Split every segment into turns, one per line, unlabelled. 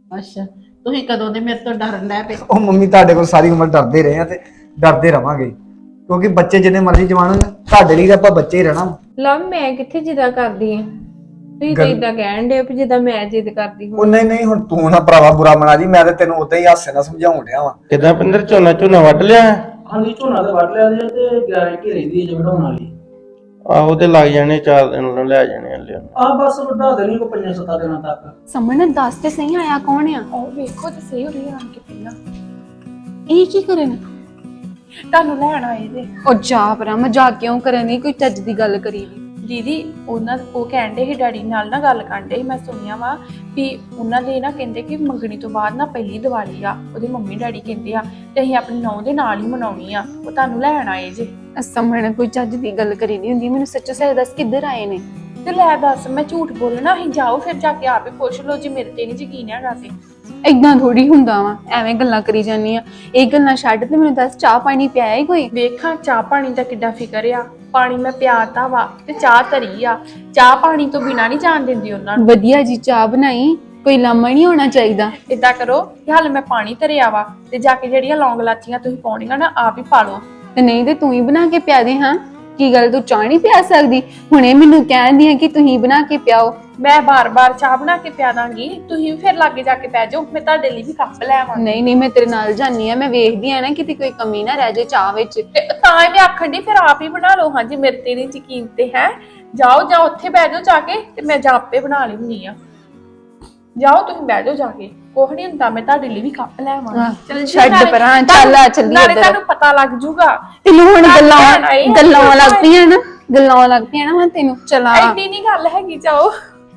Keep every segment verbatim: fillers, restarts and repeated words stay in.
ਅੱਛਾ, ਤੁਸੀਂ ਕਦੋਂ ਦੇ ਮੇਰੇ ਤੋਂ ਡਰਨ ਲੱਗ ਪਏ?
ਉਹ ਮੰਮੀ ਤੁਹਾਡੇ ਕੋਲ ਸਾਰੀ ਉਮਰ ਡਰਦੇ ਰਹੇ ਆ ਤੇ ਡਰਦੇ ਰਵਾਂਗੇ, ਕਿਉਂਕਿ ਬੱਚੇ ਜਿੰਨੇ ਮਰਜ਼ੀ ਜਵਾਨ ਹੋਣ ਤੁਹਾਡੇ ਲਈ ਤਾਂ ਆਪਾਂ ਬੱਚੇ ਹੀ ਰਹਿਣਾ।
ਲਵ ਮੈਂ ਕਿੱਥੇ ਜਿੱਦਾਂ ਕਰਦੀ ਆ, ਤੁਸੀਂ ਤਾਂ
ਗੱਲ
ਇਦਾਂ ਕਹਿਣ ਦੇ ਵੀ ਜਿੱਦਾਂ ਮੈਂ ਜਿੱਦ ਕਰਦੀ
ਉਹ
ਹਾਂ।
ਨਹੀਂ ਨਹੀਂ, ਹੁਣ ਤੂੰ ਨਾ ਭਰਾਵਾ ਬੁਰਾ ਮਨਾ ਜੀ, ਮੈਂ ਤੇ ਤੈਨੂੰ ਉਦਾਂ ਹੀ ਹਾਸੇ ਨਾਲ ਸਮਝਾਉਣ ਡਿਆ ਵਾਂ।
ਕਿਦਾਂ ਪਿੰਦਰ ਝੋਨਾ ਝੋਨਾ ਵੱਢ ਲਿਆ?
ਹਾਂਜੀ ਝੋਨਾ ਤੇ ਵੱਢ ਲਿਆ ਜੇ ਤੇ ਗਾਰੰਟੀ ਰਹਿੰਦੀ ਹੈ ਜੇ ਵਢਾਉਣ ਵਾਲੀ।
ਆਹੋ ਤੇ ਲੱਗ ਜਾਣੇ, ਚਾਰ ਦਿਨ ਨੂੰ ਲੈ ਜਾਣੇ ਹਲੇ।
ਆ ਬਸ ਵਢਾ ਦੇਣੀ ਕੋ ਪੰਜਾਂ ਸੱਤਾਂ ਦਿਨਾਂ ਤੱਕ।
ਸਮਣ ਦੱਸ ਤੇ ਸਹੀ ਆਇਆ ਕੌਣ ਆ?
ਉਹ ਵੇਖੋ ਤੇ ਸਹੀ ਹੋ ਰਹੀ ਆਣ ਕੇ ਪਹਿਲਾਂ
ਇਹ ਕੀ ਕਰਨ?
ਤੁਹਾਨੂੰ ਲੈਣ ਆਏ ਜੇ
ਉਹ ਜਾ ਪਰਾ, ਮਜ਼ਾਕ ਕਿਉਂ ਕਰਨੀ? ਕੋਈ ਚੱਜ ਦੀ ਗੱਲ ਕਰੀ ਵੀ।
ਦੀਦੀ ਉਹਨਾਂ ਉਹ ਕਹਿੰਦੇ ਸੀ ਡੈਡੀ ਨਾਲ ਨਾ ਗੱਲ ਕਰਦੇ ਸੀ, ਮੈਂ ਸੁਣਿਆ ਵਾ ਵੀ ਉਹਨਾਂ ਦੇ ਨਾ ਕਹਿੰਦੇ ਕਿ ਮੰਗਣੀ ਤੋਂ ਬਾਅਦ ਨਾ ਪਹਿਲੀ ਦੀਵਾਲੀ ਆ, ਉਹਦੇ ਮੰਮੀ ਡੈਡੀ ਕਹਿੰਦੇ ਆ ਤੇ ਅਸੀਂ ਆਪਣੀ ਨੌਂ ਦੇ ਨਾਲ ਹੀ ਮਨਾਉਣੀ ਆ, ਉਹ ਤੁਹਾਨੂੰ ਲੈਣ ਆਏ ਜੇ।
ਸਮਣ ਕੋਈ ਚੱਜ ਦੀ ਗੱਲ ਕਰੀ ਨਹੀਂ ਹੁੰਦੀ, ਮੈਨੂੰ ਸੱਚੋ ਸੱਚ ਦੱਸ ਕਿੱਧਰ ਆਏ ਨੇ?
ਤੇ ਲੈ ਦੱਸ ਮੈਂ ਝੂਠ ਬੋਲਣਾ? ਅਸੀਂ ਜਾਓ ਫਿਰ ਜਾ ਕੇ ਆਪੇ ਪੁੱਛ ਲਓ ਜੇ ਮੇਰੇ ਤੇ ਨਹੀਂ ਯਕੀਨ ਹੈਗਾ ਤੇ।
ਏਦਾਂ ਥੋੜੀ ਹੁੰਦਾ ਵਾ, ਐਵੇਂ ਗੱਲਾਂ ਕਰੀ ਜਾਂਦੀ ਆ। ਇਹ ਗੱਲਾਂ ਛੱਡ ਤੇ ਮੈਨੂੰ ਦੱਸ, ਚਾਹ ਪਾਣੀ ਪਿਆਇਆ ਹੀ ਕੋਈ?
ਵੇਖਾਂ ਚਾਹ ਪਾਣੀ ਦਾ ਕਿੱਡਾ ਫਿਕਰ ਆ, ਪਾਣੀ ਮੈਂ ਪਿਆਤਾ ਵਾ ਤੇ ਚਾਹ ਧਰੀ ਆ, ਚਾਹ ਪਾਣੀ ਤੋਂ ਬਿਨਾਂ ਨਹੀਂ ਜਾਣ ਦਿੰਦੀ ਉਹਨਾਂ ਨੂੰ।
ਵਧੀਆ ਜੀ ਚਾਹ ਬਣਾਈ, ਕੋਈ ਲਾਮਾ ਨਹੀਂ ਹੋਣਾ ਚਾਹੀਦਾ।
ਏਦਾਂ ਕਰੋ ਕਿ ਹਾਲੇ ਮੈਂ ਪਾਣੀ ਧਰਿਆ ਵਾ ਤੇ ਜਾ ਕੇ ਜਿਹੜੀਆਂ ਲੌਂਗ ਲਾਚੀਆਂ ਤੁਸੀਂ ਪਾਉਣੀਆਂ ਨਾ ਆਪ ਹੀ ਪਾ ਲਓ।
ਤੇ ਨਹੀਂ ਤੇ ਤੂੰ ਹੀ ਬਣਾ ਕੇ ਪਿਆ ਦੇ। ਹਾਂ ਕੀ ਗੱਲ, ਤੂੰ ਚਾਹ ਨਹੀਂ ਪਿਆ ਸਕਦੀ? ਹੁਣੇ ਮੈਨੂੰ ਕਹਿੰਦੀ ਆ ਕਿ ਤੁਸੀਂ ਬਣਾ ਕੇ ਪਿਆਓ।
ਮੈਂ ਬਾਰ-ਬਾਰ ਚਾਹ ਬਣਾ ਕੇ ਪਿਆ ਦਾਂਗੀ, ਤੁਸੀਂ ਵੀ ਫਿਰ ਲਾਗੇ ਜਾ ਕੇ ਪੈ ਜਾਓ, ਮੈਂ ਤੁਹਾਡੇ ਲਈ ਵੀ ਕੱਪ ਲੈ ਆਵਾਂ।
ਨਹੀਂ ਨਹੀਂ, ਮੈਂ ਤੇਰੇ ਨਾਲ ਜਾਨੀ ਆ, ਮੈਂ ਵੇਖਦੀ ਆ ਨਾ ਕਿਤੇ ਕੋਈ ਕਮੀ ਨਾ ਰਹਿ ਜਾਏ ਚਾਹ ਵਿੱਚ।
ਤੇ ਤਾਂ ਹੀ ਮੈਂ ਆਖਣ ਦੀ ਫਿਰ ਆਪ ਹੀ ਬਣਾ ਲਓ। ਹਾਂਜੀ ਮੇਰੇ ਤੇ ਨਹੀਂ ਯਕੀਨ ਤੇ ਹੈ, ਜਾਓ ਜਾਓ ਉੱਥੇ ਬਹਿ ਜਾਓ ਜਾ ਕੇ, ਤੇ ਮੈਂ ਜਾਂ ਆਪੇ ਬਣਾ ਲੈਣੀ ਆ। ਜਾਓ ਤੁਸੀਂ ਬਹਿ ਜਾਓ ਜਾ ਕੇ, ਕੁਛ ਨਹੀਂ ਹੁੰਦਾ, ਮੈਂ ਤੁਹਾਡੇ ਲਈ ਵੀ ਕੱਪ ਲੈ ਆਵਾਂ।
ਚੱਲ ਛੱਡ ਪਰਾਂ, ਚੱਲ ਆ ਚੱਲੀਏ
ਨਾਲੇ
ਇੱਧਰ।
ਤੁਹਾਨੂੰ ਪਤਾ ਲੱਗ ਜੂਗਾ।
ਤੈਨੂੰ ਹੁਣ ਗੱਲਾਂ
ਆਏ ਆ,
ਗੱਲਾਂ ਲੱਗ ਪਈਆਂ ਨਾ, ਗੱਲਾਂ ਲੱਗ ਪਈਆਂ ਨਾ ਹੁਣ ਤੈਨੂੰ। ਚਲਾ
ਐਡੀ ਨਹੀਂ ਗੱਲ ਹੈਗੀ, ਜਾਓ।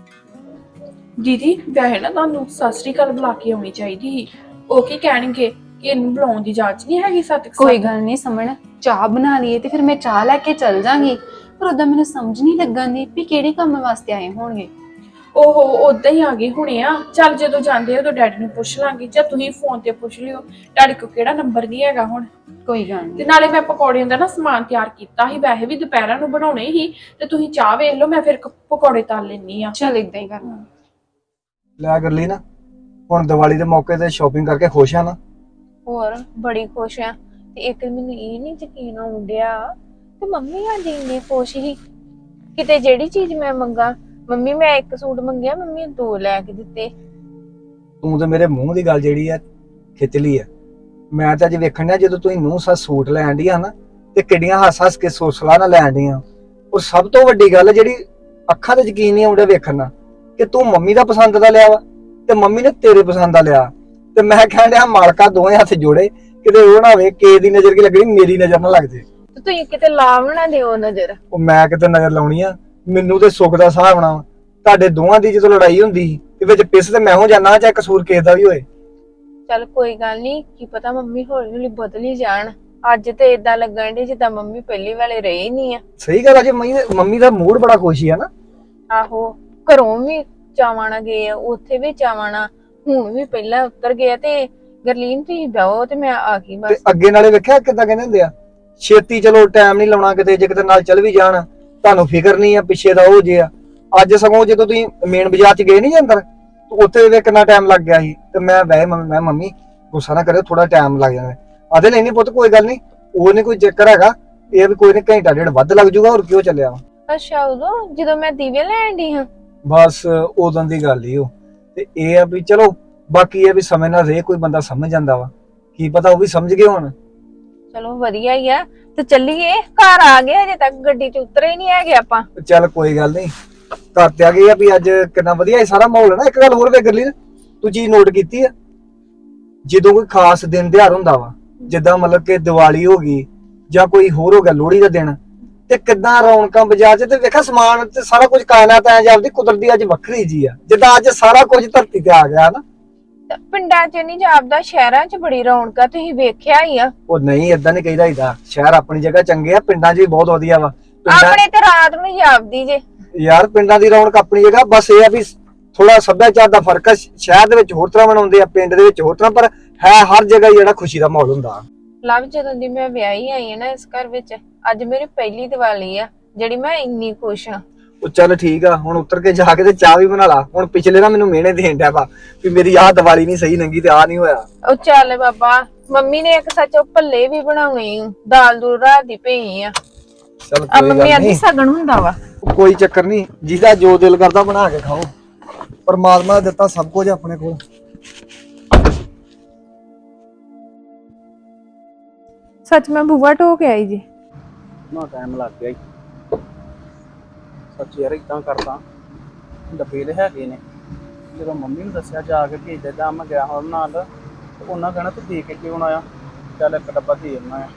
ਦੀਦੀ ਵੈਸੇ ਨਾ ਤੁਹਾਨੂੰ ਸਤਿ ਸ੍ਰੀ ਅਕਾਲ ਬੁਲਾ ਕੇ ਆਉਣੀ ਚਾਹੀਦੀ ਸੀ, ਉਹ ਕੀ ਕਹਿਣਗੇ ਕਿ ਇਹਨੂੰ ਬੁਲਾਉਣ ਦੀ ਜਾਂਚ ਨਹੀਂ ਹੈਗੀ। ਸਤਿ
ਕੋਈ ਗੱਲ ਨਹੀਂ ਸਮਣ, ਚਾਹ ਬਣਾ ਲਈਏ ਤੇ ਫਿਰ ਮੈਂ ਚਾਹ ਲੈ ਕੇ ਚੱਲ ਜਾਾਂਗੀ। ਪਰ ਉਦਾਂ ਮੈਨੂੰ ਸਮਝ ਨਹੀਂ ਲੱਗਾਂਦੀ ਵੀ ਕਿਹੜੇ ਕੰਮ ਵਾਸਤੇ ਆਏ ਹੋਣਗੇ।
ਓਹੋ ਉਦਾਂ ਹੀ ਆ ਗਏ ਹੁਣੇ ਆ। ਚੱਲ ਜਦੋਂ ਜਾਂਦੇ ਉਦੋਂ ਡੈਡੀ ਨੂੰ ਪੁੱਛ ਲਾਂਗੇ, ਜਾਂ ਤੁਸੀਂ ਫੋਨ ਤੇ ਪੁੱਛ ਲਿਓ, ਡੈਡੀ ਕੋਲ ਕਿਹੜਾ ਨੰਬਰ ਨਹੀਂ ਹੈਗਾ ਹੁਣ।
ਕੋਈ ਗੱਲ
ਤੇ
ਨਹੀਂ।
ਨਾਲੇ ਮੈਂ ਪਕੌੜਿਆਂ ਦਾ ਨਾ ਸਮਾਨ ਤਿਆਰ ਕੀਤਾ ਸੀ, ਵੈਸੇ ਵੀ ਦੁਪਹਿਰਾਂ ਨੂੰ ਬਣਾਉਣੇ ਸੀ, ਤੇ ਤੁਸੀਂ ਚਾਹ ਵੇਖ ਲਓ, ਮੈਂ ਫਿਰ ਪਕੌੜੇ ਤਲ ਲੈਣੀ ਆ।
ਚੱਲ ਇਦਾਂ ਹੀ ਕਰਨਾ।
ਲੈ ਕਰ ਲਈ ਨਾ, ਹੁਣ ਦੀਵਾਲੀ ਦੇ ਮੌਕੇ ਤੇ ਸ਼ਾਪਿੰਗ ਕਰਕੇ ਖੁਸ਼ ਆ ਨਾ?
ਹੋਰ ਬੜੀ ਖੁਸ਼ ਆ। ਤੇ ਇੱਕ ਮੈਨੂੰ ਇਹ ਨਹੀਂ ਯਕੀਨ ਆਉਂਦਿਆ ਤੇ ਮੰਮੀ ਅੱਜ ਇੰਨੇ ਖੁਸ਼ ਸੀ, ਕਿਤੇ ਜਿਹੜੀ ਚੀਜ਼ ਮੈਂ ਮੰਗਾ, ਮੰਮੀ ਮੈਂ ਇੱਕ ਸੂਟ ਮੰਗਿਆ ਮੰਮੀ ਦੋ ਲੈ ਕੇ ਦਿੱਤੇ।
ਤੂੰ ਤੇ ਮੇਰੇ ਮੂੰਹ ਦੀ ਗੱਲ ਜਿਹੜੀ ਆ ਖਿੱਚ ਲਈ ਆ। ਮੈਂ ਤਾਂ ਅੱਜ ਵੇਖਣ ਡਿਆ ਜਦੋਂ ਤੁਸੀਂ ਨੂੰਹ ਸੱਸ ਸੂਟ ਲੈਣ ਡੀਆਂ ਨਾ, ਤੇ ਕਿੱਡੀਆਂ ਹੱਸ ਹੱਸ ਕੇ ਸੋਸਲਾ ਨਾਲ ਲੈਣ ਡੀਆਂ। ਔਰ ਸਭ ਤੋਂ ਵੱਡੀ ਗੱਲ ਜਿਹੜੀ ਅੱਖਾਂ ਤੇ ਯਕੀਨ ਨਹੀਂ ਆਉਂਦਾ ਵੇਖਣ ਨਾਲ, ਕਿ ਤੂੰ ਮੰਮੀ ਦਾ ਪਸੰਦ ਦਾ ਲਿਆ ਵਾ ਤੇ ਮੰਮੀ ਨੇ ਤੇਰੇ ਪਸੰਦ ਦਾ ਲਿਆ। ਤੇ ਮੈਂ ਕਹਿਣ ਡਿਆ ਮਾਲਕਾ ਦੋਵੇਂ ਹੱਥ ਜੋੜੇ, ਕਿਤੇ ਉਹ ਨਾ ਹੋਵੇ ਕਿਸੇ ਦੀ ਨਜ਼ਰ ਕੀ ਲੱਗਣੀ ਮੇਰੀ ਨਜ਼ਰ ਨਾ ਲੱਗ ਜੇ।
ਤੇ ਤੁਸੀਂ ਕਿਤੇ ਲਾਵ ਨਾ ਦਿਓ ਨਜ਼ਰ।
ਉਹ ਮੈਂ ਕਿਤੇ ਨਜ਼ਰ ਲਾਉਣੀ ਆ? ਮੈਨੂੰ ਤੇ ਸੁੱਖ ਦਾ ਸਾਹ ਆਉਣਾ ਵਾ। ਤੁਹਾਡੇ ਦੋਵਾਂ ਦੀ ਜਦੋਂ ਲੜਾਈ ਹੁੰਦੀ ਸੀ ਤੇ ਵਿੱਚ ਪਿਸ ਤੇ ਮੈਂ ਹੋ ਜਾਣਾ, ਚਾਹੇ ਕਸੂਰ ਕਿਸੇ ਦਾ ਵੀ ਹੋਏ।
ਚੱਲ ਕੋਈ ਗੱਲ ਨਹੀਂ, ਕੀ ਪਤਾ ਮੰਮੀ ਹੌਲੀ ਹੌਲੀ ਬਦਲ ਹੀ ਜਾਣ। ਅੱਜ ਤੇ ਇਦਾਂ ਲੱਗਣ ਡੀ ਜਿੱਦਾਂ ਮੰਮੀ ਪਹਿਲੀ ਵਾਲੇ ਰਹੇ ਨਹੀਂ ਆ।
ਸਹੀ ਗੱਲ ਆ, ਜੇ ਮੰਮੀ ਦਾ ਮੂਡ ਬੜਾ ਖੁਸ਼ੀ ਆ ਨਾ।
ਆਹੋ ਘਰੋਂ ਵੀ ਚਾਵਾਣਾ ਗਏ ਆ, ਉੱਥੇ ਵੀ ਚਾਵਾਣਾ, ਹੁਣ ਵੀ ਪਹਿਲਾਂ ਉਤਰ ਗਏ ਤੇ ਗਰਲੀਨ ਤੁਸੀਂ ਬਹਿਓ ਤੇ ਮੈਂ ਆ ਗਈ
ਤੇ
ਬਸ।
ਅੱਗੇ ਨਾਲੇ ਵੇਖਿਆ ਕਿੱਦਾਂ ਕਹਿੰਦੇ ਹੁੰਦੇ ਆ, ਛੇਤੀ ਚਲੋ ਟਾਈਮ ਨਹੀਂ ਲਾਉਣਾ ਕਿਤੇ, ਜੇ ਕਿਤੇ ਨਾਲ ਚੱਲ ਵੀ ਜਾਣ ਤੁਹਾਨੂੰ ਫਿਕਰ ਨਹੀਂ ਆ ਪਿੱਛੇ ਦਾ ਉਹ ਜੇ ਆ। ਅੱਜ ਸਗੋਂ ਜਦੋਂ ਤੁਸੀਂ ਮੇਨ ਬਾਜ਼ਾਰ ਚ ਗਏ ਨਹੀਂ ਅੰਦਰ, ਉੱਥੇ ਵੀ ਕਿੰਨਾ ਟਾਈਮ ਲੱਗ ਗਿਆ ਸੀ। ਤੇ ਮੈਂ ਵੈਸੇ ਮੈਂ ਮੰਮੀ ਗੁੱਸਾ ਨਾ ਕਰਿਓ, ਥੋੜਾ ਟਾਈਮ ਲੱਗ ਜਾਣਾ। ਆਦੇ ਨਹੀਂ ਨਹੀਂ ਪੁੱਤ ਕੋਈ ਗੱਲ ਨਹੀਂ, ਉਹ ਨਹੀਂ ਕੋਈ ਚੱਕਰ ਹੈਗਾ, ਇਹ ਵੀ ਕੋਈ ਨਹੀਂ ਘੰਟਾ ਡੇਢ ਵੱਧ ਲੱਗ ਜਾਊਗਾ, ਹੋਰ ਕਿਉਂ ਚੱਲਿਆ ਵਾ।
ਅੱਛਾ ਉਦੋਂ ਜਦੋਂ ਮੈਂ ਦੀਵੇ ਲੈਣ ਦੀ ਹਾਂ?
ਬਸ ਉਦੋਂ ਦੀ ਗੱਲ ਹੀ ਉਹ। ਤੇ ਇਹ ਆ ਵੀ ਚਲੋ ਬਾਕੀ ਇਹ ਵੀ ਸਮੇਂ ਨਾਲ ਰੇ ਕੋਈ ਬੰਦਾ ਸਮਝ ਜਾਂਦਾ ਵਾ, ਕੀ ਪਤਾ ਉਹ ਵੀ ਸਮਝ ਗਏ ਹੁਣ।
ਚਲੋ ਵਧੀਆ ਹੀ ਆ। ਤੇ ਚੱਲੀਏ, ਘਰ ਆ ਗਏ, ਅਜੇ ਤੱਕ ਗੱਡੀ ਚ ਉਤਰੇ ਹੀ ਨਹੀਂ ਹੈਗੇ ਆਪਾਂ।
ਚੱਲ ਕੋਈ ਗੱਲ ਨਹੀਂ, ਘਰ ਤੇ ਆ ਗਏ ਆ ਵੀ ਅੱਜ ਕਿੰਨਾ ਵਧੀਆ ਇਹ ਸਾਰਾ ਮਾਹੌਲ ਹੈ ਨਾ। ਇੱਕ ਗੱਲ ਹੋਰ ਵੇ ਗਰਲੀ, ਤੂੰ ਚੀਜ਼ ਨੋਟ ਕੀਤੀ ਆ, ਜਦੋਂ ਕੋਈ ਖਾਸ ਦਿਨ ਤਿਉਹਾਰ ਹੁੰਦਾ ਵਾ, ਜਿੱਦਾਂ ਮਤਲਬ ਕਿ ਦੀਵਾਲੀ ਹੋ ਗਈ ਜਾਂ ਕੋਈ ਹੋਰ ਹੋ ਗਿਆ ਲੋਹੜੀ ਦਾ ਦਿਨ, ਤੇ ਕਿੱਦਾਂ ਰੌਣਕਾਂ ਬਾਜ਼ਾਰ 'ਚ, ਤੇ ਵੇਖਿਆ ਸਮਾਨ ਤੇ ਸਾਰਾ ਕੁਝ ਕਾਇਨਾਤ ਐ ਜਾਂਦੀ ਕੁਦਰਤੀ ਅੱਜ ਵੱਖਰੀ ਜੀ ਆ, ਜਿੱਦਾਂ ਅੱਜ ਸਾਰਾ ਕੁਝ ਧਰਤੀ ਤੇ ਆ ਗਿਆ ਨਾ।
ਪਿੰਡਾਂ 'ਚ ਨਹੀਂ ਜਾਪਦਾ, ਸ਼ਹਿਰਾਂ 'ਚ ਬੜੀ ਰੌਣਕ ਆ, ਤੁਸੀਂ ਵੇਖਿਆ ਹੀ ਆ।
ਉਹ ਨਹੀਂ ਏਦਾਂ ਨਹੀਂ ਕਹੀਦਾ ਹੀਦਾ, ਸ਼ਹਿਰ ਆਪਣੀ ਜਗ੍ਹਾ ਚੰਗੇ ਆ, ਪਿੰਡਾਂ 'ਚ ਵੀ ਬਹੁਤ ਵਧੀਆ ਵਾ।
ਆਪਣੇ ਤੇ ਰਾਤ ਨੂੰ ਜਾਪਦੀ ਜੇ
ਯਾਰ ਪਿੰਡਾਂ ਦੀ ਰੌਣਕ ਆਪਣੀ ਜਗ੍ਹਾ, ਬਸ ਇਹ ਆ ਵੀ ਥੋੜਾ ਸੱਭਿਆਚਾਰ ਦਾ ਫਰਕ ਆ। ਸ਼ਹਿਰ ਦੇ ਵਿੱਚ ਹੋਰ ਤਰ੍ਹਾਂ ਮਨਾਉਂਦੇ ਆ, ਪਿੰਡ ਦੇ ਵਿੱਚ ਹੋਰ ਤਰ੍ਹਾਂ, ਪਰ ਹੈ ਹਰ ਜਗ੍ਹਾ ਜਿਹੜਾ ਖੁਸ਼ੀ ਦਾ ਮਾਹੌਲ ਹੁੰਦਾ।
ਲਵ ਜਦੋਂ ਦੀ ਮੈਂ ਵਿਆਹੀ ਆਈ ਆ ਨਾ ਇਸ ਘਰ ਵਿੱਚ, ਅੱਜ ਮੇਰੀ ਪਹਿਲੀ ਦੀਵਾਲੀ ਆ ਜਿਹੜੀ ਮੈਂ ਇੰਨੀ ਖੁਸ਼ ਆ।
ਉਹ ਚੱਲ ਠੀਕ ਆ, ਹੁਣ ਉਤਰ ਕੇ ਜਾ ਕੇ ਤੇ ਚਾਹ ਵੀ ਬਣਾ ਲਾ। ਹੁਣ ਪਿਛਲੇ ਨਾ ਮੈਨੂੰ ਮਿਹਣੇ ਦੇਣ ਡਿਆ ਵਾ ਵੀ ਮੇਰੀ ਆਹ ਦੀਵਾਲੀ ਨਹੀਂ ਸਹੀ ਲੰਗੀ ਤੇ ਆਹ ਨਹੀਂ ਹੋਇਆ।
ਉਹ ਚੱਲ ਬਾਬਾ, ਮੰਮੀ ਨੇ ਇੱਕ ਸੱਚ ਉਹ ਭੱਲੇ ਵੀ ਬਣਾਉਣੇ ਈ, ਦਾਲ ਦੂਲ ਰਾਤ ਦੀ ਪਈ ਆ।
ਚੱਲ
ਆ
ਕੋਈ
ਮੰਮੀ
ਗੱਲ
ਆਦੀ
ਨਹੀਂ,
ਸਗਣ ਹੁੰਦਾ ਵਾ।
ਕੋਈ ਚੱਕਰ ਨਹੀਂ, ਜਿਹਦਾ ਜੋ ਦਿਲ ਕਰਦਾ ਬਣਾ ਕੇ ਖਾਓ। ਪਰਮਾਤਮਾ ਨੇ ਦਿੱਤਾ ਸਭ ਕੁਝ ਆਪਣੇ ਕੋਲ।
ਸੱਚ ਮੈਂ ਬੂਆ ਢੋ ਕੇ ਆਈ ਜੀ।
ਨਾ ਟਾਈਮ ਲੱਗ ਗਿਆ ਈ। ਸੱਚ ਯਾਰ ਇਦਾਂ ਕਰਦਾ, ਡੱਬੇ ਦੇ ਹੈਗੇ ਨੇ, ਜਦੋਂ ਮੰਮੀ ਨੂੰ ਦੱਸਿਆ ਜਾ ਕੇ ਭੇਜ ਦੇ ਜਾਂ ਮੈਂ ਗਿਆ ਹੋਰ ਨਾਲ, ਤੇ ਉਹਨਾਂ ਕਹਿਣਾ ਤੂੰ ਦੇ ਕੇ ਕਿਉਂ ਆਇਆ, ਚੱਲ ਇੱਕ ਡੱਬਾ ਦੇ ਆਉਣਾ ਆ।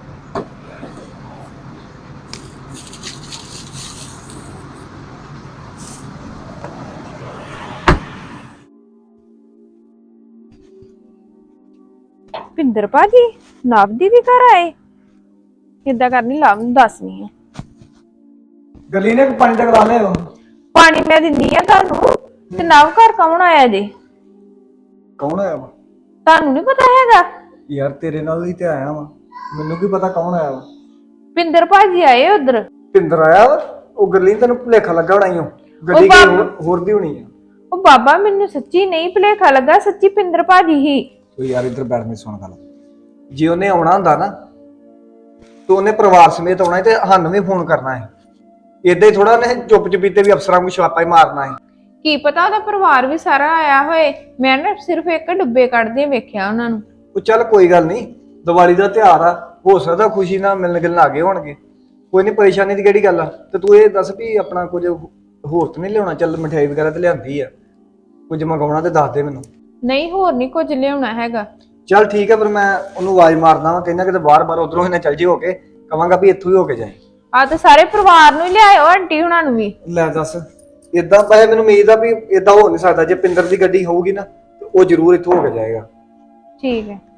ਭਿੰਦਰ ਭਾਜੀ ਨਵ ਦੀ ਵੀ ਘਰ ਆਏ, ਕਿੱਦਾਂ ਕਰਨੀ ਲਵ ਨੂੰ ਦੱਸਣੀ ਆ।
ਗਲੀ ਨੇ ਪਾਣੀ ਦਾ ਗਲਾ ਲੈ ਲਓ।
ਪਾਣੀ ਮੈਂ ਦਿੰਦੀ ਆ ਤੁਹਾਨੂੰ, ਤੇ ਨਵ ਘਰ ਕੌਣ ਆਇਆ ਜੀ?
ਕੌਣ ਆਇਆ ਵਾ?
ਤੁਹਾਨੂੰ ਨਹੀਂ ਪਤਾ ਹੈਗਾ?
ਯਾਰ ਤੇਰੇ ਨਾਲ ਹੀ ਤੇ ਆਇਆ ਵਾ, ਮੈਨੂੰ ਕੀ ਪਤਾ ਕੌਣ ਆਇਆ ਵਾ।
ਭਿੰਦਰ ਭਾਜੀ ਆਏ ਉਧਰ।
ਭਿੰਦਰ ਆਇਆ ਵਾ? ਉਹ ਗਰਲੀ ਤੈਨੂੰ ਭੁਲੇਖਾ ਲੱਗਾ ਹੋਣਾ ਈ ਓ, ਗੱਡੀ
ਉਹ ਬਾਬ-
ਕੋਈ ਹੋਰ- ਹੋਰ ਦੀ ਹੋਣੀ ਆ।
ਉਹ ਬਾਬਾ ਮੈਨੂੰ ਸੱਚੀ ਨਹੀਂ ਭੁਲੇਖਾ ਲੱਗਾ, ਸੱਚੀ ਭਿੰਦਰ ਭਾਜੀ ਹੀ।
ਤੂੰ ਯਾਰ ਇੱਧਰ ਬੈਠ, ਮੇਰੀ ਸੁਣ ਗੱਲ। ਜੇ ਉਹਨੇ ਆਉਣਾ ਹੁੰਦਾ ਨਾ ਤੂੰ ਉਹਨੇ ਪਰਿਵਾਰ ਸਮੇਤ ਆਉਣਾ ਤੇ ਸਾਨੂੰ ਵੀ ਫੋਨ ਕਰਨਾ ਹੈ। ਏਦਾਂ ਹੀ ਥੋੜਾ ਉਹਨੇ ਚੁੱਪ ਚਪੀਤੇ ਵੀ ਅਫਸਰਾਂ ਨੂੰ ਛਾਪਾ ਹੀ ਮਾਰਨਾ ਹੈ।
ਕੀ ਪਤਾ ਉਹਦਾ ਪਰਿਵਾਰ ਵੀ ਸਾਰਾ ਆਇਆ ਹੋਏ, ਮੈਂ ਨਾ ਸਿਰਫ ਇੱਕ ਡੁੱਬੇ ਕੱਢਦੇ ਵੇਖਿਆ ਉਹਨਾਂ ਨੂੰ।
ਉਹ ਚੱਲ ਕੋਈ ਗੱਲ ਨਹੀਂ, ਦੀਵਾਲੀ ਦਾ ਤਿਉਹਾਰ ਆ, ਹੋ ਸਕਦਾ ਖੁਸ਼ੀ ਨਾਲ ਮਿਲਣ ਗਿਲਣ ਆ ਗਏ ਹੋਣਗੇ। ਕੋਈ ਨਹੀਂ, ਪਰੇਸ਼ਾਨੀ ਦੀ ਕਿਹੜੀ ਗੱਲ ਆ। ਤੇ ਤੂੰ ਇਹ ਦੱਸ ਵੀ ਆਪਣਾ ਕੁਝ ਹੋਰ ਤਾਂ ਨਹੀਂ ਲਿਆਉਣਾ? ਚੱਲ ਮਠਿਆਈ ਵਗੈਰਾ ਤੇ ਲਿਆਂਦੀ ਆ, ਕੁਝ ਮੰਗਾਉਣਾ ਤੇ ਦੱਸ ਦੇ ਮੈਨੂੰ।
ਨਹੀਂ ਹੋਰ ਨਹੀਂ ਕੁਝ ਲਿਆਉਣਾ ਹੈਗਾ।
ਚੱਲ ਠੀਕ ਹੈ, ਫਿਰ ਮੈਂ ਉਹਨੂੰ ਆਵਾਜ਼ ਮਾਰਦਾ ਵਾਂ, ਕਹਿੰਦਾ ਕਿਤੇ ਬਾਰ-ਬਾਰ ਉਧਰੋਂ ਹੀ ਨਾ ਚੱਲ ਜੀ ਹੋ ਕੇ, ਕਵਾਂਗਾ ਵੀ ਇੱਥੋਂ ਹੀ ਹੋ ਕੇ ਜਾਏ।
ਆ ਤੇ ਸਾਰੇ ਪਰਿਵਾਰ ਨੂੰ ਹੀ ਲਿਆਇਓ, ਆਂਟੀ ਹੁਣਾਂ ਨੂੰ ਵੀ।
ਲੈ ਦੱਸ, ਇਦਾਂ ਪਏ ਮੈਨੂੰ ਉਮੀਦ ਆ ਵੀ ਇਦਾਂ ਹੋ ਨਹੀਂ ਸਕਦਾ। ਜੇ ਪਿੰਦਰ ਦੀ ਗੱਡੀ ਹੋਊਗੀ ਨਾ ਤੇ ਉਹ ਜ਼ਰੂਰ ਇੱਥੋਂ ਹੋ ਕੇ ਜਾਏਗਾ।
ਠੀਕ ਹੈ।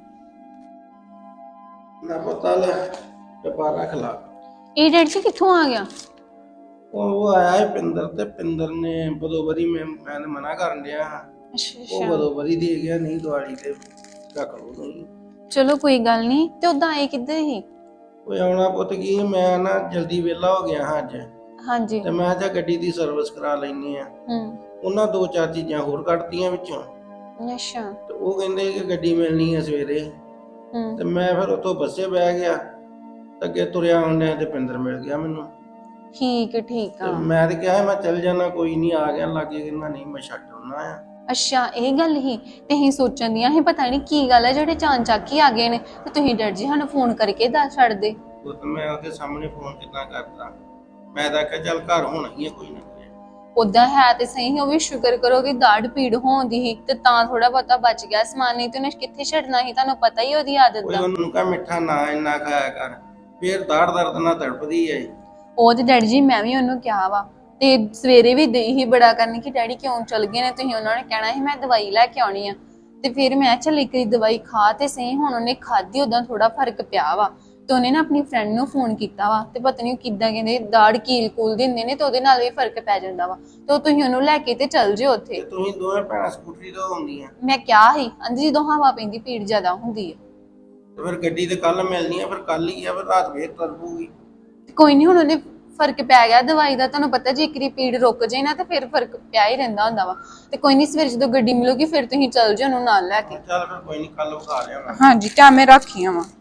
ਨਾ ਪਤਾ ਲੈ ਡੱਬਾ ਰੱਖ ਲਾ।
ਇਹ ਡੈਡੀ ਜੀ ਕਿੱਥੋਂ ਆ ਗਿਆ?
ਉਹ ਉਹ ਆਇਆ ਹੈ ਪਿੰਦਰ, ਤੇ ਪਿੰਦਰ ਨੇ ਬਦੋਬਰੀ ਮੈਂ ਮੈਂ ਮਨਾ ਕਰਨ ਡਿਆ ਹਾਂ।
ਅੱਛਾ
ਉਹ ਬਦੋਬਰੀ ਦੇ ਗਿਆ, ਨਹੀਂ ਦਿਵਾਲੀ ਤੇ ਰੱਖ ਲਓ ਨਹੀਂ।
ਚਲੋ ਕੋਈ ਗੱਲ ਨਹੀਂ। ਤੇ ਉਦਾਂ ਆਏ ਕਿੱਧਰ ਹੀ?
ਉਹ ਆਉਣਾ ਪੁੱਤ ਕੀ, ਮੈਂ ਨਾ ਜਲਦੀ ਵਿਹਲਾ ਹੋ ਗਿਆ ਹਾਂ ਅੱਜ,
ਹਾਂਜੀ।
ਤੇ ਮੈਂ ਤਾਂ ਗੱਡੀ ਦੀ ਸਰਵਿਸ ਕਰਾ ਲੈਣੀ ਆ।
ਹੂੰ।
ਉਹਨਾਂ ਦੋ ਚਾਰ ਚੀਜ਼ਾਂ ਹੋਰ ਕੱਢਤੀਆਂ ਵਿੱਚੋਂ,
ਅੱਛਾ।
ਤੇ ਉਹ ਕਹਿੰਦੇ ਕਿ ਗੱਡੀ ਮਿਲਣੀ ਹੈ ਸਵੇਰੇ।
ਹੂੰ।
ਤੇ ਮੈਂ ਫਿਰ ਉੱਥੋਂ ਬੱਸੇ ਬਹਿ ਗਿਆ, ਤੇ ਅੱਗੇ ਤੁਰਿਆ ਆਉਂਦਿਆਂ ਤੇ ਪਿੰਦਰ ਮਿਲ ਗਿਆ ਮੈਨੂੰ।
ਠੀਕ ਹੈ, ਠੀਕ
ਤੇ
ਆ।
ਮੈਂ ਤੇ ਕਿਹਾ ਮੈਂ ਚੱਲ ਜਾਣਾ, ਕੋਈ ਨਹੀਂ ਆ ਗਿਆ ਲਾਗੇ, ਕਹਿੰਦਾ ਨਹੀਂ ਮੈਂ ਛੱਡ ਆਉਣਾ ਆ।
ਅੱਛਾ ਇਹ ਗੱਲ ਹੀ ਤੇ ਅਸੀਂ ਸੋਚਣ ਦੀਆਂ ਸੀ ਪਤਾ ਨਹੀਂ ਕੀ ਗੱਲ ਹੈ ਜਿਹੜੇ ਚਾਂ ਚੱਕ ਹੀ ਆ ਗਏ ਨੇ, ਤੇ ਤੁਸੀਂ ਡੈਡ ਜੀ ਸਾਨੂੰ ਫੋਨ ਕਰਕੇ ਦੱਸ ਛੱਡਦੇ।
ਉਹ ਤਾਂ ਮੈਂ ਉਹਦੇ ਸਾਹਮਣੇ ਫੋਨ ਕਿੱਦਾਂ ਕਰਦਾ, ਮੈਂ ਤਾਂ ਕਿਹਾ ਚੱਲ ਘਰ ਹੋਣਾ ਹੀ ਹੈ ਕੋਈ ਨਾ ਕੋਈ।
ਉਦਾਂ ਹੈ ਤੇ ਸਹੀ, ਉਹ ਵੀ ਸ਼ੁਕਰ ਕਰੋ ਕਿ ਦਾੜ ਪੀੜ ਹੋਉਂਦੀ ਸੀ ਤੇ ਤਾਂ ਥੋੜਾ ਬਹੁਤਾ ਬਚ ਗਿਆ ਸਮਾਨ, ਨਹੀਂ ਤੇ ਉਹਨੇ ਕਿੱਥੇ ਛੱਡਣਾ ਸੀ, ਤੁਹਾਨੂੰ ਪਤਾ ਹੀ ਉਹਦੀ ਆਦਤ
ਕੋਈ
ਦਾ।
ਉਹਨੂੰ ਕਹਾ ਮਿੱਠਾ ਨਾ ਇੰਨਾ ਖਾਇਆ ਕਰ, ਫੇਰ ਦਾੜ ਦਰਦ ਨਾਲ ਤੜਪਦੀ ਹੈ।
ਉਹ ਤੇ ਡੈਡੀ ਜੀ ਮੈਂ ਵੀ ਉਹਨੂੰ ਕਿਹਾ ਵਾ, ਤੇ ਸਵੇਰੇ ਵੀ ਦੇ ਹੀ ਬੜਾ ਕਰਨ ਕਿ ਡੈਡੀ ਕਿਉਂ ਚਲ ਗਏ ਨੇ ਤੁਸੀਂ, ਉਹਨਾਂ ਨੇ ਕਹਿਣਾ ਸੀ ਮੈਂ ਦਵਾਈ ਲੈ ਕੇ ਆਉਣੀ ਆ। ਤੇ ਫਿਰ ਮੈਂ ਚੱਲ ਇੱਕ ਵਾਰੀ ਦਵਾਈ ਖਾ ਤੇ ਸਹੀ, ਹੁਣ ਉਹਨੇ ਖਾਧੀ ਉਦਾਂ ਥੋੜਾ ਫਰਕ ਪਿਆ ਵਾ। ਤੇ ਉਹਨੇ ਨਾ ਆਪਣੀ ਫਰੈਂਡ ਨੂੰ ਫੋਨ ਕੀਤਾ ਵਾ, ਤੇ ਪਤਾ ਨਹੀਂ ਕਿੱਦਾਂ ਕਹਿੰਦੇ ਦਾੜ ਕੀਲ ਕੂਲ ਦਿੰਦੇ ਨੇ, ਤੇ ਉਹਦੇ ਨਾਲ ਵੀ ਫਰਕ ਪੈ ਜਾਂਦਾ ਵਾ। ਤੇ ਤੁਸੀਂ ਉਹਨੂੰ ਲੈ ਕੇ ਤੇ ਚੱਲ ਜਿਓ ਉੱਥੇ।
ਤੁਸੀਂ ਦੋਵੇਂ ਭੈਣਾਂ ਸਕੂਟਰੀ ਤੋਂ ਆਉਂਦੀਆਂ,
ਮੈਂ ਕਿਹਾ ਸੀ ਅੰਦੀ ਜਦੋਂ ਹਵਾ ਪੈਂਦੀ ਪੀੜ ਜ਼ਿਆਦਾ ਹੁੰਦੀ ਹੈ।
ਤੇ ਫਿਰ ਗੱਡੀ ਤੇ ਕੱਲ ਮਿਲਣੀ ਆ, ਫਿਰ ਕੱਲ ਹੀ ਆ, ਫਿਰ ਰਾਤ ਫੇਰ ਤੜਪੂਗੀ।
ਤੇ ਕੋਈ ਨਹੀਂ, ਹੁਣ ਉਹਨੇ ਫਰਕ ਪੈ ਗਿਆ ਦਵਾਈ ਦਾ, ਤੁਹਾਨੂੰ ਪਤਾ ਜੇ ਇੱਕ ਵਾਰੀ ਪੀੜ ਰੁਕ ਜਾਏ ਨਾ ਤੇ ਫਿਰ ਫਰਕ ਪਿਆ ਹੀ ਰਹਿੰਦਾ ਹੁੰਦਾ ਵਾ। ਤੇ ਕੋਈ ਨਹੀਂ ਸਵੇਰ ਜਦੋਂ ਗੱਡੀ ਮਿਲੂਗੀ ਫਿਰ ਤੁਸੀਂ ਚੱਲ ਜਿਓ ਉਹਨੂੰ ਨਾਲ ਲੈ ਕੇ।
ਚੱਲ ਫਿਰ ਕੋਈ ਨਹੀਂ, ਕੱਲ ਵਿਖਾ ਲਿਆ ਮੈਂ।
ਹਾਂਜੀ ਕਿਆ ਮੈਂ ਰੱਖੀਆਂ ਵਾ।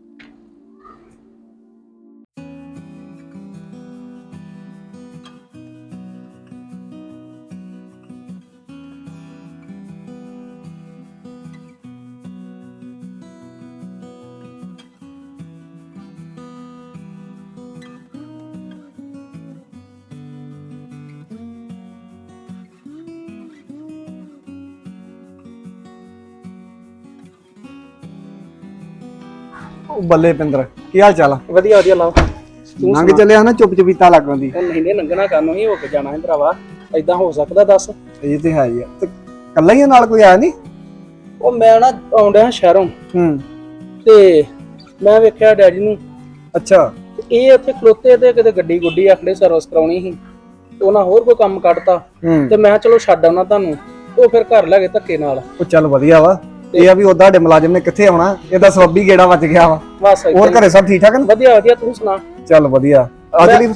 ਉਹ ਬੱਲੇ ਪਿੰਦਰ, ਕੀ ਹਾਲ ਚਾਲ ਆ?
ਵਧੀਆ ਵਧੀਆ ਲਾਓ। ਤੂੰ
ਲੰਘ ਚੱਲਿਆ ਨਾ ਚੁੱਪ ਚਪੀਤਾ ਲੱਗਣ ਦੀ।
ਉਹ ਨਹੀਂ ਨਹੀਂ ਲੰਘਣਾ ਕਰਨੋਂ ਹੀ ਹੋ ਕੇ ਜਾਣਾ ਹੈ ਭਰਾਵਾ, ਏਦਾਂ ਹੋ ਸਕਦਾ ਦੱਸ?
ਇਹ ਤੇ ਹੈ ਹੀ ਆ। ਤੇ ਕੱਲਾ ਹੀ ਆ, ਨਾਲ ਕੋਈ ਆਇਆ ਨਹੀਂ?
ਉਹ ਮੈਂ ਨਾ ਆਉਂਦਿਆ ਸ਼ਹਿਰੋਂ,
ਹੂੰ।
ਤੇ ਮੈਂ ਵੇਖਿਆ ਡੈਡੀ ਨੂੰ,
ਅੱਛਾ।
ਤੇ ਇਹ ਉੱਥੇ ਖਲੋਤੇ ਤੇ ਕਿਤੇ ਗੱਡੀ ਗੁੱਡੀ ਆਖੜੇ ਸਰਵਿਸ ਕਰਾਉਣੀ ਸੀ, ਤੇ ਉਹਨਾਂ ਹੋਰ ਕੋਈ ਕੰਮ ਕੱਢਤਾ।
ਹੂੰ।
ਤੇ ਮੈਂ ਚਲੋ ਛੱਡ ਆਉਣਾ ਤੁਹਾਨੂੰ, ਤੇ ਉਹ ਫਿਰ ਘਰ ਲੈ ਗਏ ਧੱਕੇ ਨਾਲ।
ਉਹ ਚੱਲ ਵਧੀਆ ਵਾ। ਇਹ ਆ ਵੀ ਉਹਦਾ ਸਾਡੇ ਮੁਲਾਜ਼ਮ ਨੇ ਕਿੱਥੇ ਆਉਣਾ, ਇਹਦਾ ਸਵਾਬੀ ਗੇੜਾ ਵੱਜ ਗਿਆ ਵਾ।
ਬਸ
ਹੋਰ ਘਰੇ ਸਭ ਠੀਕ ਠਾਕ ਨੇ?
ਵਧੀਆ ਵਧੀਆ, ਤੂੰ ਸੁਣਾ?
ਚੱਲ ਵਧੀਆ। ਅੱਜ ਲਈ